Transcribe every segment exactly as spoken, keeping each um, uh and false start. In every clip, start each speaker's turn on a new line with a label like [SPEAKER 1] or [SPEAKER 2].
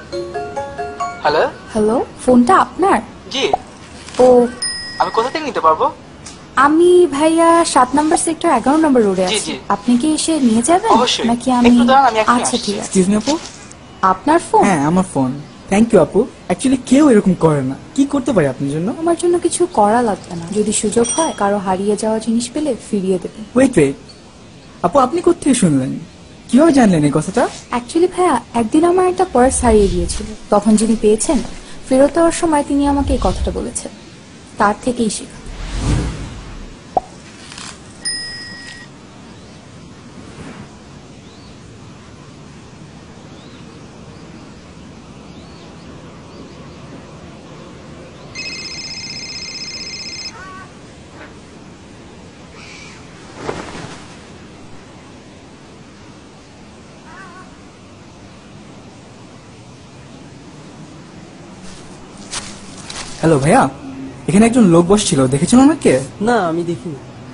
[SPEAKER 1] Hello
[SPEAKER 2] hello, ফোনটা আপনার?
[SPEAKER 1] জি।
[SPEAKER 2] ও,
[SPEAKER 1] আমি কোথা থেকে নিতে পারবো?
[SPEAKER 2] আমি ভাইয়া সাত নম্বর সেক্টর এগারো নম্বর রোডে
[SPEAKER 1] জি,
[SPEAKER 2] আছি।
[SPEAKER 1] জি।
[SPEAKER 2] আপনি কি এসে নিয়ে যাবেন?
[SPEAKER 1] অবশ্যই।
[SPEAKER 2] নাকি আমি?
[SPEAKER 1] একটু দাঁড়ান, আমি এখনই
[SPEAKER 2] আচ্ছা
[SPEAKER 1] আসছি।
[SPEAKER 2] ঠিক আছে।
[SPEAKER 3] এক্সকিউজ মি আপু।
[SPEAKER 2] আপনার ফোন?
[SPEAKER 3] হ্যাঁ আমার ফোন। থ্যাংক ইউ আপু। অ্যাকচুয়ালি কেউ এরকম করে না। কি করতে পারি আপনার জন্য?
[SPEAKER 2] আমার জন্য কিছু করা লাগবে না। যদি সুযোগ হয় কারো হারিয়ে যাওয়া জিনিস পেলে ফিরিয়ে দেবেন।
[SPEAKER 3] ওয়েট ওয়েট আপু, আপনি কোথেকে শুনলেন? কিভাবে জানলেন এই কথাটা?
[SPEAKER 2] অ্যাকচুয়ালি ভাইয়া, একদিন আমার একটা পার্স হারিয়ে গিয়েছিল। তখন যিনি পেয়েছেন, ফেরত দেওয়ার সময় তিনি আমাকে এই কথাটা বলেছেন। তার থেকেই শেখা।
[SPEAKER 3] হ্যালো ভাইয়া, এখানে একজন লোক বসছিল, দেখেছেন আমাকে?
[SPEAKER 4] না আমি দেখিনি।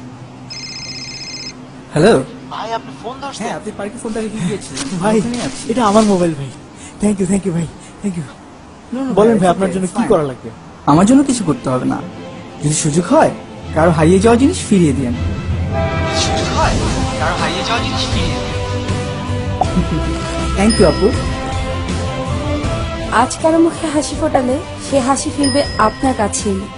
[SPEAKER 3] হ্যালো
[SPEAKER 1] ভাই আপনি ফোন ধরছেন?
[SPEAKER 3] হ্যাঁ, আপনি পার্কে ফোনটা রেখে গিয়েছিলেন।
[SPEAKER 4] ভাই
[SPEAKER 3] ওখানেই আছি।
[SPEAKER 4] এটা আমার মোবাইল ভাই। থ্যাংক ইউ থ্যাংক ইউ ভাই, থ্যাংক ইউ। বলেন ভাই আপনার জন্য কি করা লাগবে?
[SPEAKER 3] আমার জন্য কিছু করতে হবে না। যদি সুযোগ হয় কারো হারিয়ে যাওয়া জিনিস ফিরিয়ে দিন।
[SPEAKER 1] সুযোগ হয় কারো হারিয়ে যাওয়া জিনিস ফিরিয়ে দিন।
[SPEAKER 3] থ্যাংক ইউ আপু।
[SPEAKER 2] আজ কারো মুখে হাসি ফোটালে সে হাসি ফিরবে আপনার কাছেই।